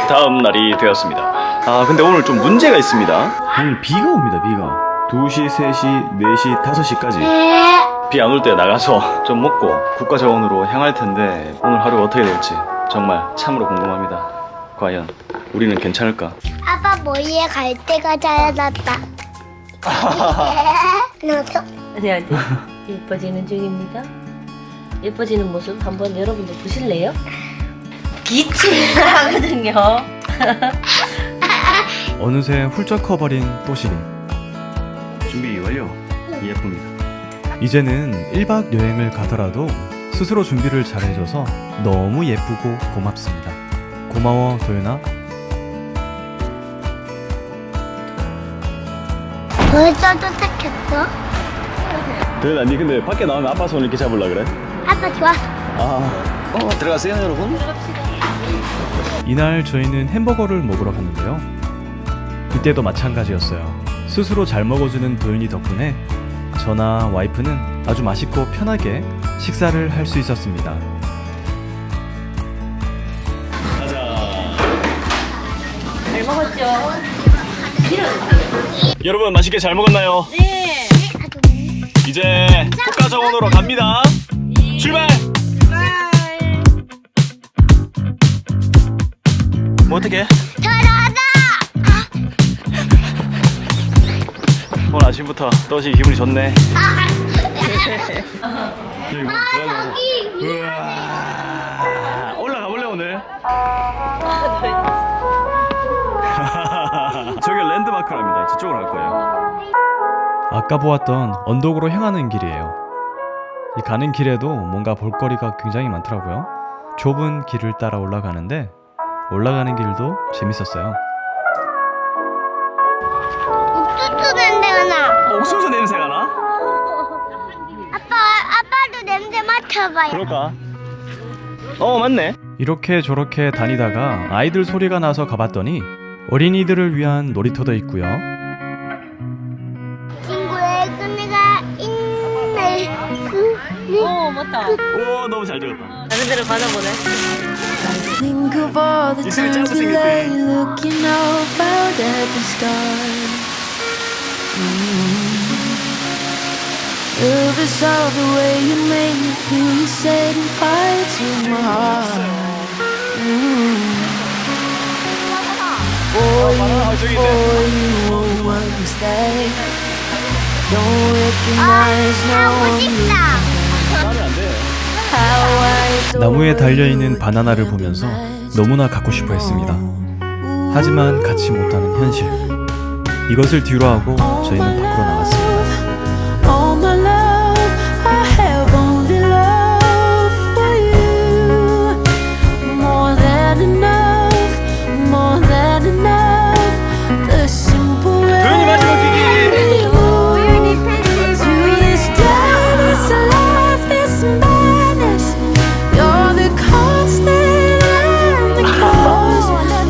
다음 날이 되었습니다. 아 근데 오늘 좀 문제가 있습니다. 오늘 비가 옵니다. 비가 2시, 3시, 4시, 5시까지 비 안 올 때 나가서 좀 먹고 국가정원으로 향할 텐데 오늘 하루가 어떻게 될지 정말 참으로 궁금합니다. 과연 우리는 괜찮을까? 아빠 머리에 갈 때가 잘랐다. 너도? 아니 예뻐지는 중입니다. 예뻐지는 모습 한번 여러분들 보실래요? 기침하거든요. 어느새 훌쩍 커버린 또시리. 준비 완료. 예쁩니다. 이제는 1박 여행을 가더라도 스스로 준비를 잘해줘서 너무 예쁘고 고맙습니다. 고마워 도윤아. 벌써 도착했어? 도현아 니 근데 밖에 나오면 아빠 손 이렇게 잡으려 그래? 아빠 좋았어. 들어가세요 여러분. 이날 저희는 햄버거를 먹으러 갔는데요. 이때도 마찬가지였어요. 스스로 잘 먹어주는 도윤이 덕분에 저나 와이프는 아주 맛있고 편하게 식사를 할 수 있었습니다. 잘 먹었죠? 여러분 맛있게 잘 먹었나요? 네. 이제 국가정원으로 갑니다. 출발! 뭐 어떻게? 잘하다. 오늘 아침부터 또시 기분이 좋네. 여기. 우와. 올라가 볼래 오늘? 저기 랜드마크랍니다. 저쪽으로 갈 거예요. 아까 보았던 언덕으로 향하는 길이에요. 이 가는 길에도 뭔가 볼거리가 굉장히 많더라고요. 좁은 길을 따라 올라가는데 올라가는 길도 재밌었어요. 옥수수 냄새가 나. 옥수수 냄새가 나? 아빠도 냄새 맡아봐요. 그럴까? 맞네. 이렇게 저렇게 다니다가 아이들 소리가 나서 가봤더니 어린이들을 위한 놀이터도 있고요. 친구의 끈이가 있네. 맞다. 오 너무 잘 되었다. 다른 데로 가나 보네. Think of all the 있으면 times 짜고 we 생겼대. lay looking out at the stars. Love is all the way you make me feel. You setting fire to my heart. For you won't understand. Don't recognize no 하고 one. 싶다. 나는 안 돼. How I adore 나무에 달려있는 바나나를 보면서 너무나 갖고 싶어 했습니다. 하지만 갖지 못하는 현실. 이것을 뒤로 하고 저희는 밖으로 나왔습니다. All my love, I have only love for you. More than enough, more than enough. The simple way. 도현이 마지막 뛰기. Through this darkness, life, this madness. You're the constant and the cause.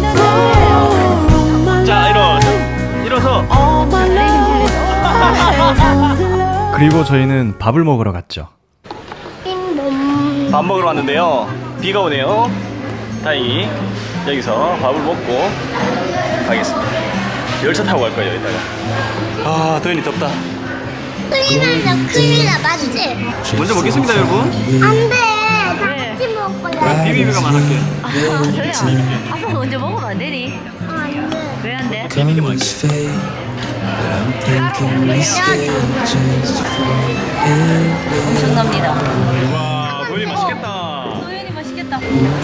For my 자 일어서. all my love, I have only love. 그리고 저희는 밥을 먹으러 갔죠. 빈몸. 밥 먹으러 왔는데요. 비가 오네요. 다행히 여기서 밥을 먹고 가겠습니다. 열차 타고 갈 거예요 이따가. 도현이 덥다. 큰일 나, 큰일 나, 맞지? 먼저 먹겠습니다 여러분. 안 돼. 다 같이 먹어야 돼. 비비비가 많을게. 아빠 먼저 먹으면 안 되니? 안 돼. 왜 안 돼? Colors fade, but I'm thinking we stay just for it. 엄청납니다. 와 도현이 맛있겠다. 도현이 맛있겠다.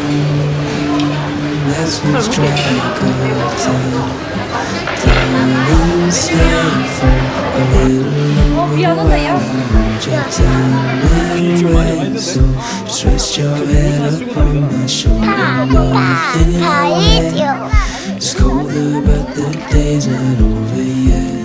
Let's lose track of time. Time will stay for a little 비안 온다 야. longer. So just rest your head upon my shoulder. 다 해줘. It's colder, but the day's not over yet.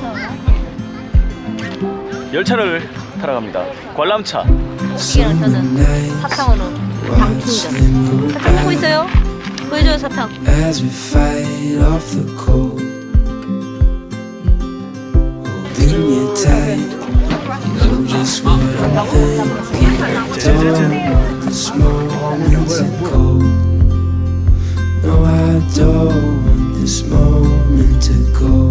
열차를 타러 갑니다. 관람차. 여기랑 저는 사탕으로 당충전. 사탕 먹고 있어요? 보여줘요 사탕. As we fight off the cold, holding you tight. You know just what I'm thinking. Don't want the small winds and cold. No, I don't want this moment to go.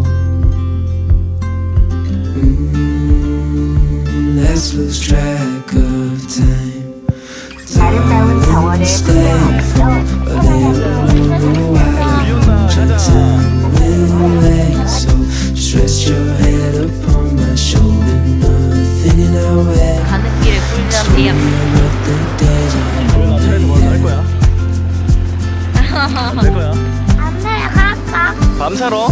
Let's lose track of time. 아름다운 정원을 Stay for a little longer while your time will late. So just rest your head upon my shoulder. Nothing in our way. 가는 길에 꿀잠 대양. What the days are. 차에서 뭐할 거야? 할 거야? 엄마야 갈까? 밤 사러?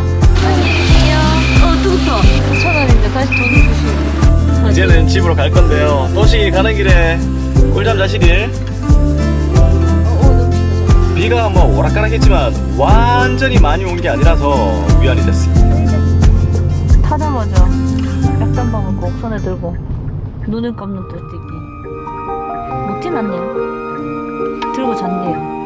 뜨겁다. 5,000원인데 다시 돈을 주시고. 이제는 집으로 갈 건데요. 또시 가는 길에 꿀잠 자시길. 비가 뭐 오락가락했지만 완전히 많이 온 게 아니라서 위안이 됐습니다. 타자마자 약단방을 꼭 손에 들고 눈을 감는 듯이 못티 났네요. 들고 잤네요.